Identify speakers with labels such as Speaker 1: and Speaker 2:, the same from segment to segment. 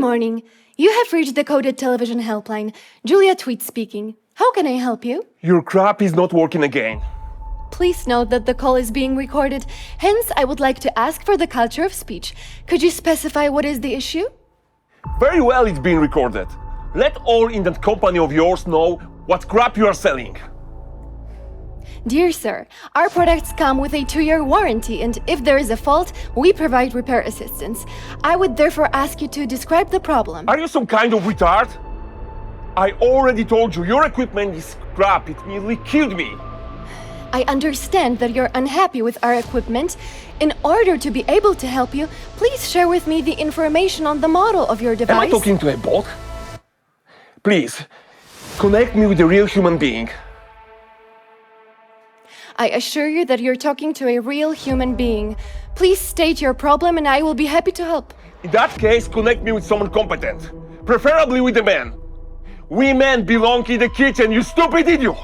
Speaker 1: morning. You have reached the Coded Television Helpline. Julia Tweet speaking. How can I help you?
Speaker 2: Your crap is not working again.
Speaker 1: Please note that the call is being recorded. Hence, I would like to ask for the culture of speech. Could you specify what is the issue?
Speaker 2: Very well, it's being recorded. Let all in that company of yours know what crap you are selling.
Speaker 1: Dear sir, our products come with a 2-year warranty, and if there is a fault, we provide repair assistance. I would therefore ask you to describe the problem.
Speaker 2: Are you some kind of retard? I already told you, your equipment is crap. It nearly killed me.
Speaker 1: I understand that you're unhappy with our equipment. In order to be able to help you, please share with me the information on the model of your device.
Speaker 2: Am I talking to a bot? Please, connect me with a real human being.
Speaker 1: I assure you that you're talking to a real human being. Please state your problem and I will be happy to help.
Speaker 2: In that case, connect me with someone competent. Preferably with a man. We men belong in the kitchen, you stupid idiot!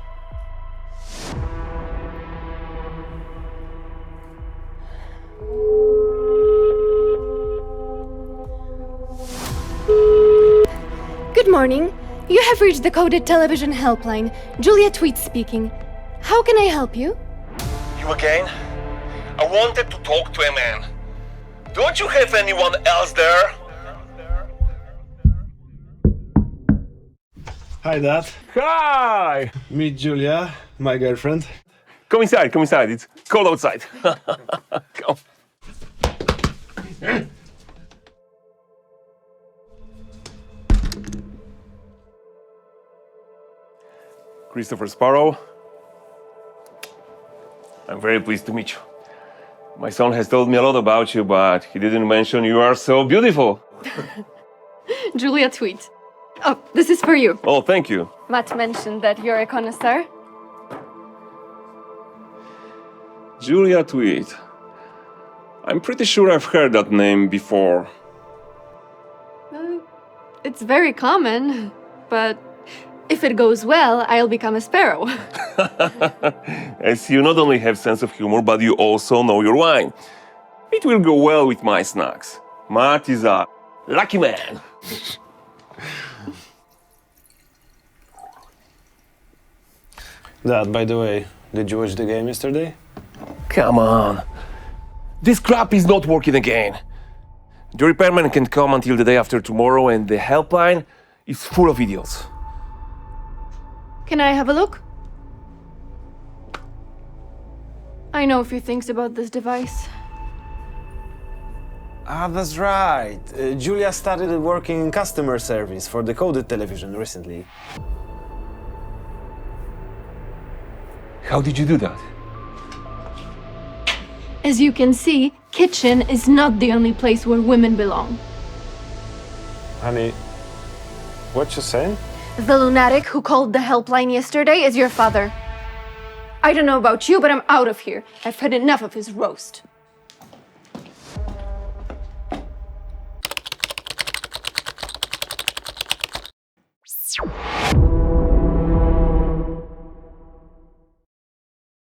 Speaker 1: Good morning. You have reached the Coded Television Helpline. Julia Tweet speaking. How can I help you?
Speaker 2: You again? I wanted to talk to a man. Don't you have anyone else there?
Speaker 3: Hi, Dad.
Speaker 2: Hi!
Speaker 3: Meet Julia, my girlfriend.
Speaker 2: Come inside. It's cold outside. Come. Christopher Sparrow. I'm very pleased to meet you. My son has told me a lot about you, but he didn't mention you are so beautiful.
Speaker 1: Julia Tweet. Oh, this is for you.
Speaker 2: Oh, thank you.
Speaker 1: Matt mentioned that you're a connoisseur.
Speaker 2: Julia Tweet. I'm pretty sure I've heard that name before.
Speaker 1: It's very common, but if it goes well, I'll become a sparrow.
Speaker 2: As you not only have sense of humor, but you also know your wine. It will go well with my snacks. Matt is a lucky man.
Speaker 3: Dad, by the way, did you watch the game yesterday?
Speaker 2: Come on. This crap is not working again. The repairman can come until the day after tomorrow, and the helpline is full of idiots.
Speaker 1: Can I have a look? I know a few things about this device.
Speaker 3: Ah, that's right. Julia started working in customer service for the Coded Television recently.
Speaker 2: How did you do that?
Speaker 1: As you can see, kitchen is not the only place where women belong.
Speaker 3: Honey, what you saying?
Speaker 1: The lunatic who called the helpline yesterday is your father. I don't know about you, but I'm out of here. I've had enough of his roast.